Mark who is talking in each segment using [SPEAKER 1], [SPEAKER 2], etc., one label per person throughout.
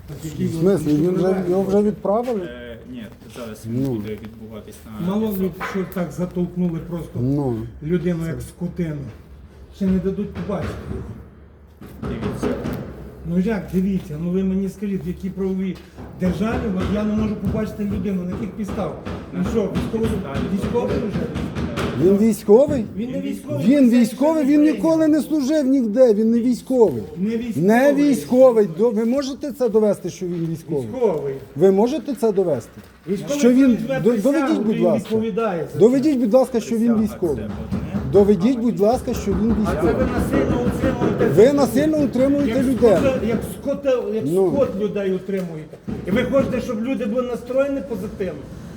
[SPEAKER 1] В смислі, його вже відправили?
[SPEAKER 2] Ні, зараз він буде відбуватись на
[SPEAKER 3] Мало
[SPEAKER 2] СО.
[SPEAKER 3] ли, що так затолкнули просто
[SPEAKER 1] Ну.
[SPEAKER 3] людину як скотину. Ще не дадуть побачити.
[SPEAKER 2] Дивіться.
[SPEAKER 3] Ну як, дивіться, ну ви мені скажіть, в якій правовій державі от я не можу побачити людину, на яких підстав? Ну що, військовий вже?
[SPEAKER 1] Він військовий?
[SPEAKER 3] Він не військовий.
[SPEAKER 1] Він військовий, він ніколи не служив ніде, він не військовий.
[SPEAKER 3] Не військовий.
[SPEAKER 1] Не військовий. Ви можете це довести, що він військовий?
[SPEAKER 3] Військовий.
[SPEAKER 1] Ви можете це довести?
[SPEAKER 3] Військовий,
[SPEAKER 1] Що він...
[SPEAKER 3] візьме
[SPEAKER 1] Доведіть,
[SPEAKER 3] присягу,
[SPEAKER 1] будь
[SPEAKER 3] він
[SPEAKER 1] ласка.
[SPEAKER 3] відповідає за це.
[SPEAKER 1] Доведіть, будь ласка, що він
[SPEAKER 2] Присяга
[SPEAKER 1] військовий.
[SPEAKER 2] це одне.
[SPEAKER 1] Доведіть, будь ласка, що він
[SPEAKER 3] А це
[SPEAKER 1] військовий.
[SPEAKER 3] ви насильно утримуєте.
[SPEAKER 1] Ви насильно утримуєте
[SPEAKER 3] Як
[SPEAKER 1] людей.
[SPEAKER 3] як
[SPEAKER 1] Ну.
[SPEAKER 3] скот людей утримуєте. І ви хочете, щоб люди були настроєні позитивно.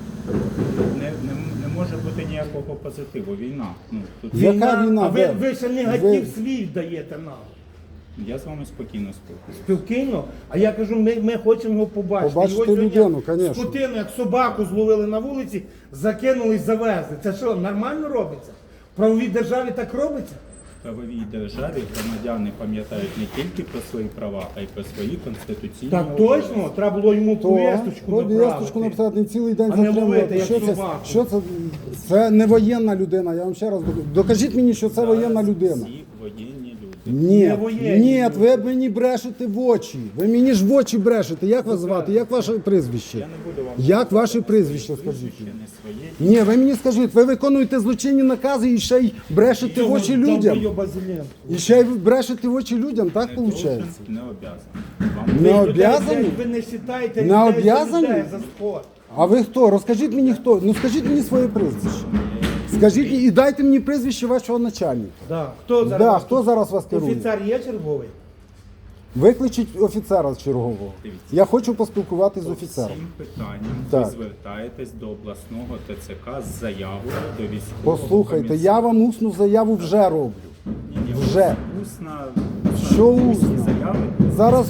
[SPEAKER 2] Не може бути ніякого позитиву. Війна. Ну, тут
[SPEAKER 1] Яка війна?
[SPEAKER 3] А
[SPEAKER 1] Де?
[SPEAKER 3] ви ще негатив
[SPEAKER 1] Ви-
[SPEAKER 3] свій даєте нам.
[SPEAKER 2] я з вами спокійно спілкуюся.
[SPEAKER 3] Спілкійно, а я кажу, ми хочемо його побачити.
[SPEAKER 1] Побачити
[SPEAKER 3] Його сьогодні
[SPEAKER 1] людину, конечно.
[SPEAKER 3] скотину, як собаку зловили на вулиці, закинули і завезли. Це що, нормально робиться? В правовій державі так робиться?
[SPEAKER 2] В правовій державі громадяни пам'ятають не тільки про свої права, а й про свої конституційні
[SPEAKER 3] Так
[SPEAKER 2] обов'язки.
[SPEAKER 3] точно, треба було йому повісточку
[SPEAKER 1] Повісточку написати, не цілий день
[SPEAKER 3] А не
[SPEAKER 1] затримувати.
[SPEAKER 3] ловити, як
[SPEAKER 1] Що це?
[SPEAKER 3] собаку.
[SPEAKER 1] Що це? Це не воєнна людина, я вам ще раз кажу. Докажіть мені, що це воєнна людина.
[SPEAKER 2] Всі воєнні люди.
[SPEAKER 1] Ні,
[SPEAKER 3] Не воєнні
[SPEAKER 1] ні,
[SPEAKER 3] люди.
[SPEAKER 1] ви мені брешете в очі. Ви мені ж в очі брешете. Як вас звати? Як ваше прізвище?
[SPEAKER 2] Я не буду вам
[SPEAKER 1] Як ваше прізвище, скажіть?
[SPEAKER 2] прізвище не своє.
[SPEAKER 1] Ні, ви мені скажіть, ви виконуєте злочинні накази і ще й брешете в очі людям. І ще й брешете в очі людям, так
[SPEAKER 2] Не
[SPEAKER 1] виходить?
[SPEAKER 2] должен, не обязан. Вам
[SPEAKER 1] Не обязані?
[SPEAKER 3] Ви не вважаєте
[SPEAKER 1] Не обязані?
[SPEAKER 3] за спорт.
[SPEAKER 1] А ви хто? Розкажіть мені хто. Ну скажіть мені своє прізвище. Скажіть і дайте мені прізвище вашого начальника.
[SPEAKER 3] Да. Хто зараз?
[SPEAKER 1] Да, хто зараз вас керує?
[SPEAKER 3] Офіцер є черговий?
[SPEAKER 1] Викличіть офіцера чергового.
[SPEAKER 2] Дивіться.
[SPEAKER 1] Я хочу поспілкуватися з
[SPEAKER 2] По
[SPEAKER 1] офіцером.
[SPEAKER 2] всім питанням
[SPEAKER 1] Так.
[SPEAKER 2] ви звертаєтесь до обласного ТЦК з заявою до військового
[SPEAKER 1] Послухайте,
[SPEAKER 2] комісаріату.
[SPEAKER 1] я вам усну заяву вже роблю.
[SPEAKER 2] Ні,
[SPEAKER 1] вже.
[SPEAKER 2] Усна,
[SPEAKER 1] Що
[SPEAKER 2] усні
[SPEAKER 1] усна?
[SPEAKER 2] заяви.
[SPEAKER 1] Зараз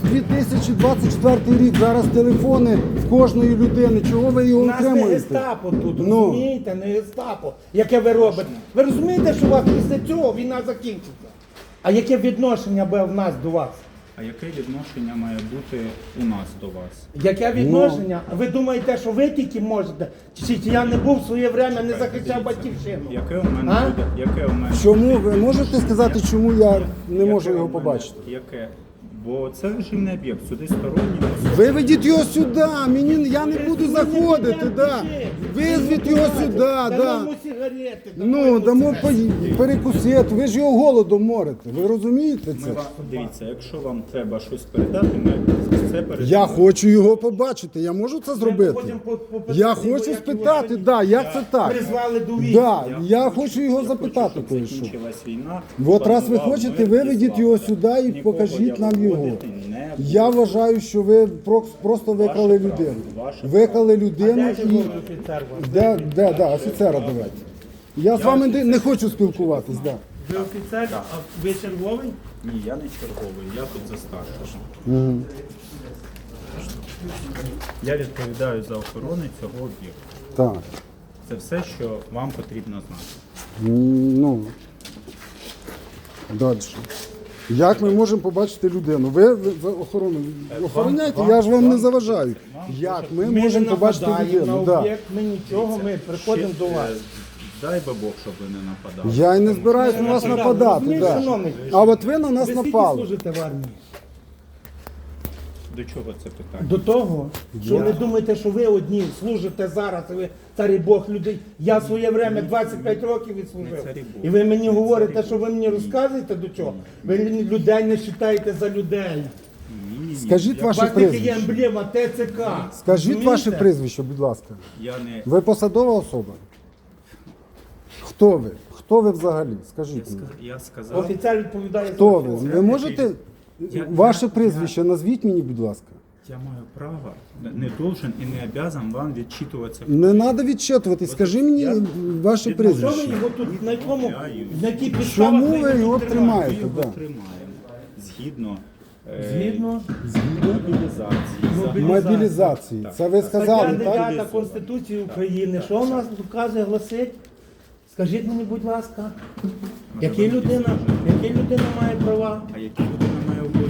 [SPEAKER 1] 2024 рік, зараз телефони в кожної людини. Чого ви його
[SPEAKER 3] У нас не
[SPEAKER 1] утримуєте?
[SPEAKER 3] гестапо тут,
[SPEAKER 1] Ну.
[SPEAKER 3] розумієте? Не гестапо. Яке ви робите? Ви розумієте, що у вас після цього війна закінчиться? А яке відношення буде в нас до вас?
[SPEAKER 2] А яке відношення має бути у нас до вас?
[SPEAKER 3] Яке відношення? Ви думаєте, що ви тільки можете? Чи я не був в своє время, не захищав батьківщину?
[SPEAKER 2] Яке у мене
[SPEAKER 3] А?
[SPEAKER 2] буде? Яке у мене?
[SPEAKER 1] Чому ви можете сказати, чому я не
[SPEAKER 2] Яке
[SPEAKER 1] можу
[SPEAKER 2] у
[SPEAKER 1] його
[SPEAKER 2] мене?
[SPEAKER 1] побачити?
[SPEAKER 2] Яке? Бо це режимний об'єкт, сюди сторонні.
[SPEAKER 1] Виведіть його сюди, я не буду заходити, да. Визвіть його сюди, да.
[SPEAKER 3] Дамо сигарети,
[SPEAKER 1] Ну, дамо перекусити, ви ж його голодом морите, ви розумієте
[SPEAKER 2] Ми
[SPEAKER 1] це?
[SPEAKER 2] вам, дивіться, якщо вам треба щось передати, ми це передамо.
[SPEAKER 1] Я хочу його побачити, я можу це зробити?
[SPEAKER 3] потім попитати
[SPEAKER 1] Я
[SPEAKER 3] його,
[SPEAKER 1] хочу
[SPEAKER 3] як
[SPEAKER 1] спитати,
[SPEAKER 3] його
[SPEAKER 1] да, як це так?
[SPEAKER 3] призвали до війни.
[SPEAKER 1] Да, я хочу його запитати
[SPEAKER 2] щоб
[SPEAKER 1] кое-що.
[SPEAKER 2] закінчилась війна.
[SPEAKER 1] От раз ви
[SPEAKER 2] панував
[SPEAKER 1] хочете,
[SPEAKER 2] мир і
[SPEAKER 1] виведіть
[SPEAKER 2] слава.
[SPEAKER 1] його сюди і
[SPEAKER 2] Нікого
[SPEAKER 1] покажіть
[SPEAKER 2] я
[SPEAKER 1] нам його.
[SPEAKER 2] виводити не буду.
[SPEAKER 1] Я вважаю, що ви просто викрали
[SPEAKER 2] право,
[SPEAKER 1] людину.
[SPEAKER 2] ваше
[SPEAKER 1] Викрали людину
[SPEAKER 3] Де
[SPEAKER 1] і...
[SPEAKER 3] черговий офіцер у вас?
[SPEAKER 1] Да, офіцера давайте. Я з вами не хочу спілкуватись, да.
[SPEAKER 3] Ви офіцер, а ви черговий?
[SPEAKER 2] Ні, я не черговий, я тут за старшого. Я відповідаю за охорону цього об'єкту.
[SPEAKER 1] Так.
[SPEAKER 2] Це все, що вам потрібно знати.
[SPEAKER 1] Ну, далі. Як ми можемо побачити людину? Ви охорону охороняйте, я ж вам не заважаю. Як ми
[SPEAKER 3] Ми
[SPEAKER 1] можемо
[SPEAKER 3] не
[SPEAKER 1] побачити
[SPEAKER 3] нападаємо
[SPEAKER 1] людину?
[SPEAKER 3] на
[SPEAKER 1] Да.
[SPEAKER 3] об'єкт, ми нічого, ми приходимо до вас.
[SPEAKER 2] Дай би Бог, щоб ви не нападали.
[SPEAKER 1] Я й не збираюсь на вас нападати.
[SPEAKER 3] Розумієш,
[SPEAKER 1] Да.
[SPEAKER 3] шановний?
[SPEAKER 1] А от ви на нас
[SPEAKER 3] Ви скільки
[SPEAKER 1] напали.
[SPEAKER 3] служите в армії?
[SPEAKER 2] До чого це питання?
[SPEAKER 3] До того, що ви думаєте, що ви одні служите зараз, і ви царі Бог людей. Я в своє время 25 років відслужив.
[SPEAKER 2] царі Бог.
[SPEAKER 3] І ви мені говорите, що ви мені розказуєте до чого? Ви людей не вважаєте за людей.
[SPEAKER 1] Скажіть
[SPEAKER 3] У
[SPEAKER 1] ваше
[SPEAKER 3] вас тільки є
[SPEAKER 1] прізвище.
[SPEAKER 3] емблема ТЦК.
[SPEAKER 1] Скажіть
[SPEAKER 3] Розумієте?
[SPEAKER 1] ваше прізвище, будь ласка.
[SPEAKER 2] Я не
[SPEAKER 1] Ви посадова особа? Хто ви? Хто ви взагалі? Скажіть мені.
[SPEAKER 2] я сказав.
[SPEAKER 3] Офіцер відповідає
[SPEAKER 1] Хто
[SPEAKER 3] за
[SPEAKER 1] ви?
[SPEAKER 3] все.
[SPEAKER 1] Ви можете ваше прізвище назвіть мені, будь ласка.
[SPEAKER 2] Я маю право, не должен і не обязан вам відчитуватися.
[SPEAKER 1] Не треба відчитувати. Скажи мені ваше
[SPEAKER 3] Що ви
[SPEAKER 1] прізвище.
[SPEAKER 3] його тут, на якому, на якій підставах
[SPEAKER 1] Чому ви
[SPEAKER 3] тут
[SPEAKER 1] його
[SPEAKER 3] тримаєте?
[SPEAKER 1] тримаєте?
[SPEAKER 2] Ми його
[SPEAKER 1] Да.
[SPEAKER 2] тримаємо згідно,
[SPEAKER 3] Згідно
[SPEAKER 2] мобілізації.
[SPEAKER 1] Мобілізації.
[SPEAKER 2] Так.
[SPEAKER 1] Це ви сказали,
[SPEAKER 3] Стаття
[SPEAKER 1] так?
[SPEAKER 3] 9 Конституції України. Що у нас вказує, гласить? Скажіть мені, будь ласка, яка людина має права?
[SPEAKER 2] А які людина має обов'язки?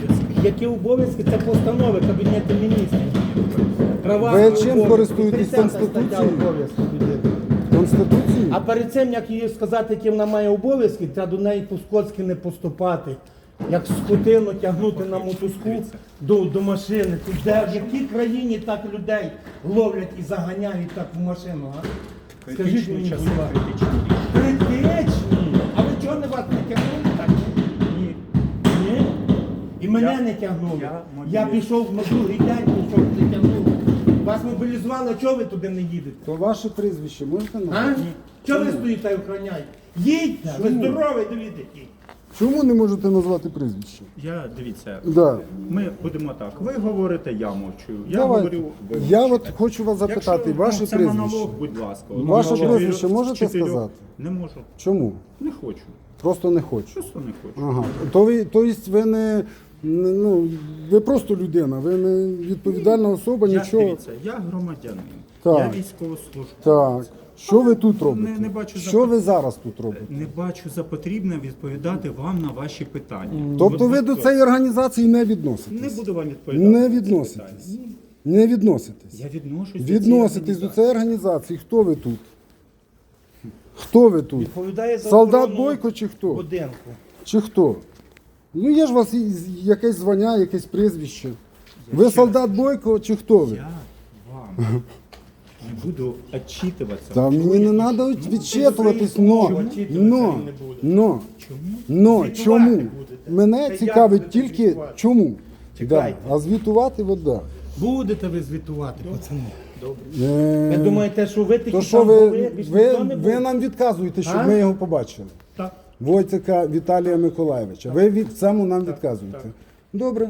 [SPEAKER 3] Які обов'язки? Це постанови Кабінету Міністрів. Права
[SPEAKER 1] Ви
[SPEAKER 3] і
[SPEAKER 1] чим
[SPEAKER 3] обов'язки.
[SPEAKER 1] користуєтесь
[SPEAKER 3] 30 стаття
[SPEAKER 1] Конституцією?
[SPEAKER 3] обов'язків людини.
[SPEAKER 1] Конституції?
[SPEAKER 3] А перед цим, як їй сказати, які вона має обов'язки, треба до неї по-скотськи не поступати. Як скотину тягнути на мотузку до машини. Тут де, в якій країні так людей ловлять і заганяють так в машину, а? Скажіть
[SPEAKER 2] Критичні
[SPEAKER 3] мені,
[SPEAKER 2] часи,
[SPEAKER 3] будь ласка.
[SPEAKER 2] критичні.
[SPEAKER 3] Критичні? А ви чого не вас не тягнули так?
[SPEAKER 2] Ні.
[SPEAKER 3] Ні? І мене
[SPEAKER 2] Я-
[SPEAKER 3] не тягнули.
[SPEAKER 2] я
[SPEAKER 3] Я пішов на другий день, пішов, не тягнули. Вас мобілізували, а чого ви туди не їдете?
[SPEAKER 1] То ваше прізвище можете
[SPEAKER 3] А?
[SPEAKER 1] назвати?
[SPEAKER 3] Чого ви стоїте і охороняєте? Їдьте, ви здоровий, дивіться.
[SPEAKER 1] Чому не можете назвати прізвище?
[SPEAKER 2] Дивіться,
[SPEAKER 1] Да.
[SPEAKER 2] ми будемо так. Ви говорите, я мовчу. Я
[SPEAKER 1] Давайте.
[SPEAKER 2] говорю, ви
[SPEAKER 1] Я
[SPEAKER 2] мовчите.
[SPEAKER 1] от хочу вас запитати,
[SPEAKER 2] Якщо,
[SPEAKER 1] ваше
[SPEAKER 2] це
[SPEAKER 1] прізвище.
[SPEAKER 2] монолог, будь ласка.
[SPEAKER 1] Ваше
[SPEAKER 2] Монолог.
[SPEAKER 1] прізвище можете
[SPEAKER 2] Чотирьох.
[SPEAKER 1] сказати?
[SPEAKER 2] Не можу.
[SPEAKER 1] Чому?
[SPEAKER 2] Не хочу.
[SPEAKER 1] Просто не хочу.
[SPEAKER 2] Просто не хочу.
[SPEAKER 1] Ага. То есть ну, ви просто людина, ви не відповідальна особа, нічого.
[SPEAKER 2] Дивіться, я громадянин.
[SPEAKER 1] Так.
[SPEAKER 2] Я військовослужбовець.
[SPEAKER 1] Так. Що ви тут робите?
[SPEAKER 2] Не бачу
[SPEAKER 1] Що ви зараз тут робите?
[SPEAKER 2] Не бачу за потрібне відповідати вам на ваші питання.
[SPEAKER 1] Тобто ви до цієї організації не
[SPEAKER 2] Не
[SPEAKER 1] відноситесь?
[SPEAKER 2] буду вам відповідати.
[SPEAKER 1] Не
[SPEAKER 2] на ці
[SPEAKER 1] відноситесь?
[SPEAKER 2] питання.
[SPEAKER 1] Не відноситесь?
[SPEAKER 2] Я відношусь
[SPEAKER 1] Відноситесь до цієї організації. Хто ви тут? Хто ви тут?
[SPEAKER 3] Відповідає за
[SPEAKER 1] Солдат
[SPEAKER 3] охорону
[SPEAKER 1] Бойко чи хто?
[SPEAKER 3] будинку.
[SPEAKER 1] Чи хто? Ну є ж у вас якесь звання, якесь прізвище. Ви солдат Бойко чи хто ви?
[SPEAKER 2] Я вам не буду отчитуватися.
[SPEAKER 1] Та мені не треба відчитуватись,
[SPEAKER 3] Чому? Чому?
[SPEAKER 1] но,
[SPEAKER 3] Звітувати
[SPEAKER 1] чому?
[SPEAKER 3] будете.
[SPEAKER 1] Мене
[SPEAKER 3] Та
[SPEAKER 1] цікавить
[SPEAKER 3] як будете
[SPEAKER 1] тільки
[SPEAKER 3] звітувати?
[SPEAKER 1] чому. Да.
[SPEAKER 3] Чекайте.
[SPEAKER 1] А звітувати, от да.
[SPEAKER 3] Будете ви звітувати, пацани.
[SPEAKER 1] Е,
[SPEAKER 3] Ви думаєте, що ви такі
[SPEAKER 1] То що
[SPEAKER 3] там
[SPEAKER 1] ви,
[SPEAKER 3] були, більш ніхто не
[SPEAKER 1] ви
[SPEAKER 3] був?
[SPEAKER 1] нам відказуєте, щоб
[SPEAKER 3] А?
[SPEAKER 1] ми його побачили?
[SPEAKER 2] Так.
[SPEAKER 1] Войцека Віталія Миколаєвича. Ви від цьому нам відказуєте.
[SPEAKER 2] так.
[SPEAKER 1] Добре.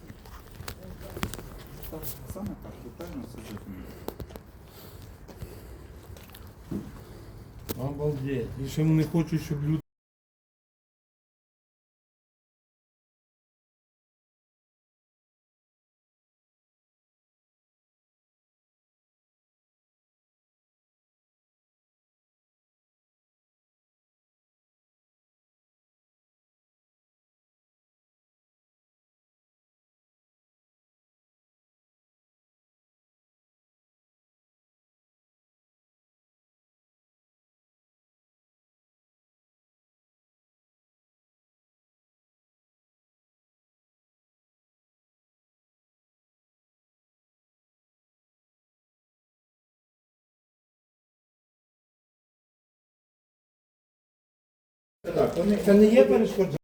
[SPEAKER 2] Саме так, детально все зрозуміло.
[SPEAKER 3] Обалдеть. І ще вони хочуть, щоб люди...
[SPEAKER 2] Так, вони,
[SPEAKER 3] Це не є перешкоджання?